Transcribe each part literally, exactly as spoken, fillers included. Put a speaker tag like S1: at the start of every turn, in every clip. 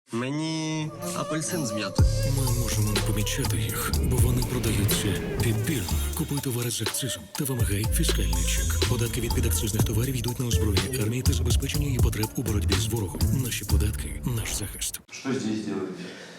S1: Мені апельсин з м'ятою.
S2: Ми можемо не помічати їх, бо вони продаються підбірно. Купуй товари з акцизом та вимагай фіскальний чек. Податки від підакцизних товарів йдуть на озброєння армії та забезпечення її потреб у боротьбі з ворогом. Наші податки – наш захист.
S3: Что здесь делаете?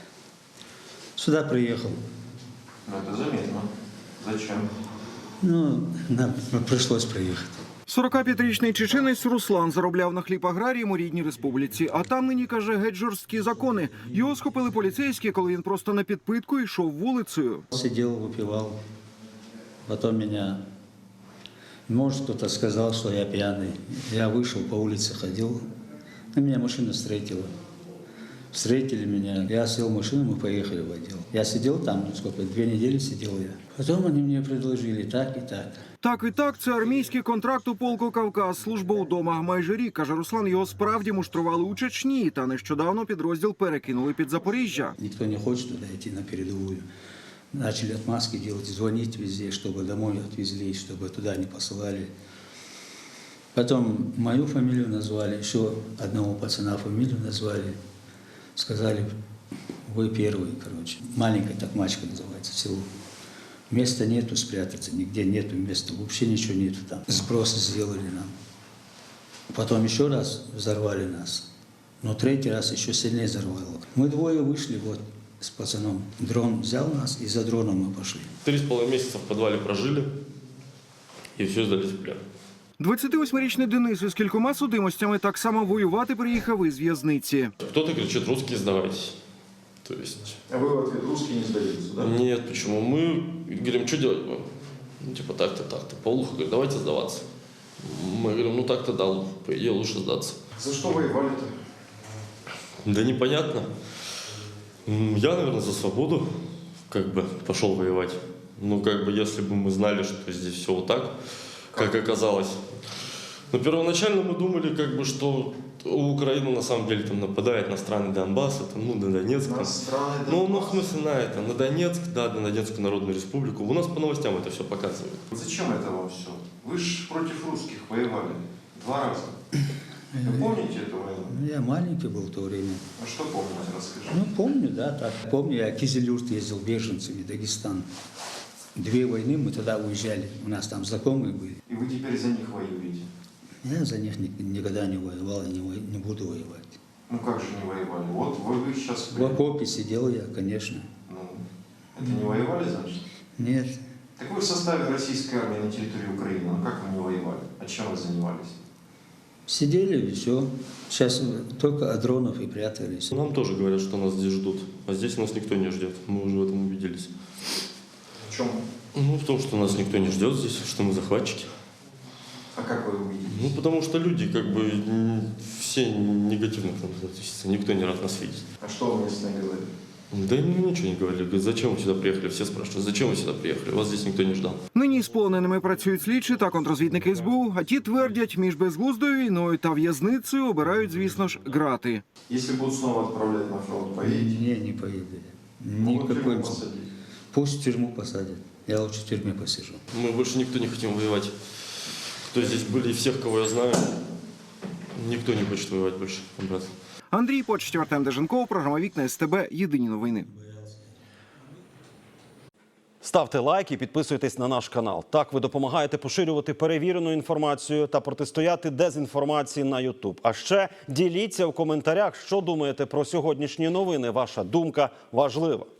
S4: Сюда приехал.
S3: Ну, это заметно. Зачем?
S4: Ну, нам пришлось приехать.
S5: сорокап'ятирічний чеченець Руслан заробляв на хліб аграріям у рідній республіці. А там нині, каже, геть жорсткі закони. Його схопили поліцейські, коли він просто на підпитку йшов вулицею.
S4: Сидел, выпивал. Потом меня, может, кто-то сказал, что я пьяный. Я вышел, по улице ходил. И меня машина встретила. Встретили меня. Я сел в машину, мы поехали в отдел. Я сидел там, ну сколько, две недели сидел я. Потом они мне предложили так и так.
S5: Так і так, це армійський контракт у полку «Кавказ», служба удома. Майже рік, каже Руслан, його справді муштрували у Чечні. Та нещодавно підрозділ перекинули під Запоріжжя.
S4: Никто не хочет туда идти на передовую. Начали отмазки делать, звонить везде, чтобы домой отвезли, чтобы туда не посылали. Потом мою фамилию назвали, еще одного пацана фамилию назвали. Сказали, вы первый, короче. Маленькая Токмачка называется село. Места нету спрятаться, нигде нету места, вообще ничего нету там. Сбросы сделали нам. Потом еще раз взорвали нас. Но третий раз еще сильнее взорвало. Мы двое вышли вот с пацаном. Дрон взял нас, и за дроном мы пошли.
S6: Три с половиной месяца в подвале прожили и все сдались в плен.
S5: двадцятивосьмирічний Денис із кількома судимостями так само воювати приїхав із в'язниці.
S6: Кто-то кричит: русские, сдавайтесь. То есть...
S3: А вы в ответ русские не сдаются, да?
S6: Нет, почему? Мы говорим, что делать будем? Ну, типа так-то, так-то. Полуха говорит, давайте сдаваться. Мы говорим, ну так-то да, по идее лучше сдаться.
S3: За что воевали-то?
S6: Да непонятно. М, Я, наверное, за свободу как бы пошел воевать. Ну, как бы, если бы мы знали, что здесь все вот так, как оказалось. Но первоначально мы думали, как бы, что Украина на самом деле там нападает на страны Донбасса, там, ну, на Донецк.
S3: На
S6: там.
S3: страны
S6: Ну, ну, в
S3: Донбасса?
S6: смысле, на это, на Донецк, да, на Донецкую Народную Республику. У нас по новостям это все показывают.
S3: Зачем это вам все? Вы же против русских воевали. Два раза. Вы помните эту войну?
S4: Ну, я маленький был в то время.
S3: А что помните, расскажите.
S4: Ну, помню, да, так. Помню, я в Кизилюрт ездил беженцами, Дагестан. Две войны мы тогда уезжали, у нас там знакомые были.
S3: И вы теперь за них воюете?
S4: Я за них ни- никогда не воевал и не, во- не буду воевать.
S3: Ну как же не воевали? Вот вы, вы сейчас...
S4: В окопе сидел я, конечно.
S3: Ну, это не воевали, значит?
S4: Нет,
S3: Так вы в составе российской армии на территории Украины. А как вы не воевали? А чем вы занимались?
S4: сидели и все. Сейчас только от дронов и прятались.
S6: Нам тоже говорят, что нас здесь ждут. А здесь нас никто не ждет. Мы уже в этом убедились.
S3: В чем?
S6: Ну, в том, что нас никто не ждет здесь, что мы захватчики.
S3: А как вы увидели?
S6: Ну, потому что люди, как бы, м, все негативно к нам относятся. Никто не рад нас видеть.
S3: А что вы местные говорили?
S6: Да им ничего не говорили. Говорят, зачем вы сюда приехали? Все спрашивают, зачем вы сюда приехали? Вас здесь никто не ждал.
S5: Нині з полоненими працюють слідчі та контрозвідники ес бе у, а ті твердять, між безглуздою війною та в'язницею обирають, звісно ж, грати.
S3: Если будут снова отправлять на фронт, поедете?
S4: Не, не поеду.
S3: Могут в тюрьму
S4: Никакой.
S3: посадить.
S4: Пусть в тюрьму посадят. Я лучше в тюрьме посижу.
S6: Мы больше никто не хотим воевать. Кто здесь были, и всех, кого я знаю, никто не хочет воевать больше, брат.
S5: Андрій Почтів, Артем Деженков, програма «Вікна ес те бе». Єдині новини.
S7: Ставте лайк і підписуйтесь на наш канал. Так ви допомагаєте поширювати перевірену інформацію та протистояти дезінформації на ютуб. А ще діліться в коментарях, що думаєте про сьогоднішні новини. Ваша думка важлива.